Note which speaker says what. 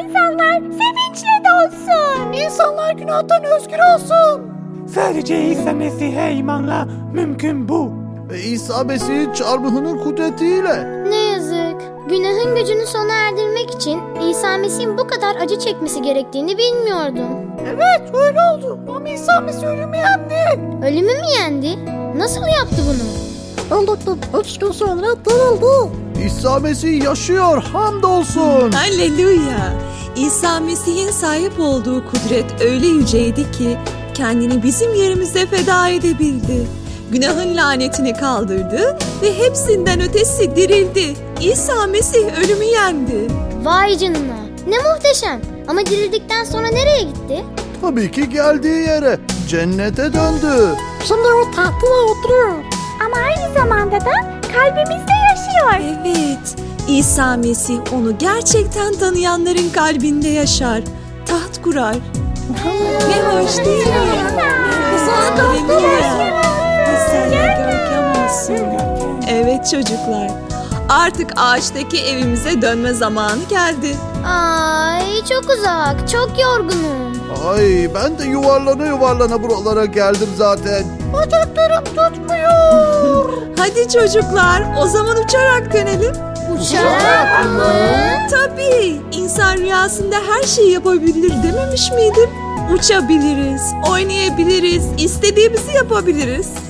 Speaker 1: insanlar sevinçle dolsun.
Speaker 2: İnsanlar günahtan özgür olsun.
Speaker 3: Sadece İsa Mesih'e imanla mümkün bu.
Speaker 2: Ve İsa Mesih'in çarmıhının kudretiyle.
Speaker 4: Ne yazık. Günahın gücünü sona erdirmek için İsa Mesih'in bu kadar acı çekmesi gerektiğini bilmiyordum.
Speaker 2: Evet öyle oldu. Ama İsa Mesih ölümü yendi.
Speaker 4: Ölümü mü yendi? Nasıl yaptı bunu?
Speaker 2: Öldükten 3 gün sonra dirildi. İsa Mesih yaşıyor, hamdolsun.
Speaker 5: Halleluya! İsa Mesih'in sahip olduğu kudret öyle yüceydi ki kendini bizim yerimize feda edebildi. Günahın lanetini kaldırdı ve hepsinden ötesi dirildi. İsa Mesih ölümü yendi.
Speaker 4: Vay canına. Ne muhteşem. Ama dirildikten sonra nereye gitti?
Speaker 2: Tabii ki geldiği yere, cennete döndü.
Speaker 1: Şimdi o tahtına oturuyor. Ama aynı zamanda da kalbimizde yaşıyor.
Speaker 5: Evet, İsa Mesih onu gerçekten tanıyanların kalbinde yaşar, taht kurar. Ne hoş değil mi? Halleluya! Sana görkem olsun. Evet çocuklar, artık ağaçtaki evimize dönme zamanı geldi.
Speaker 4: Ay çok uzak. Çok yorgunum.
Speaker 2: Ay ben de yuvarlana yuvarlana buralara geldim zaten. Bacaklarım tutmuyor.
Speaker 5: Hadi çocuklar, o zaman uçarak dönelim.
Speaker 4: Uçarak mı?
Speaker 5: Tabii, insan rüyasında her şeyi yapabilir dememiş miydim? Uçabiliriz, oynayabiliriz, istediğimizi yapabiliriz.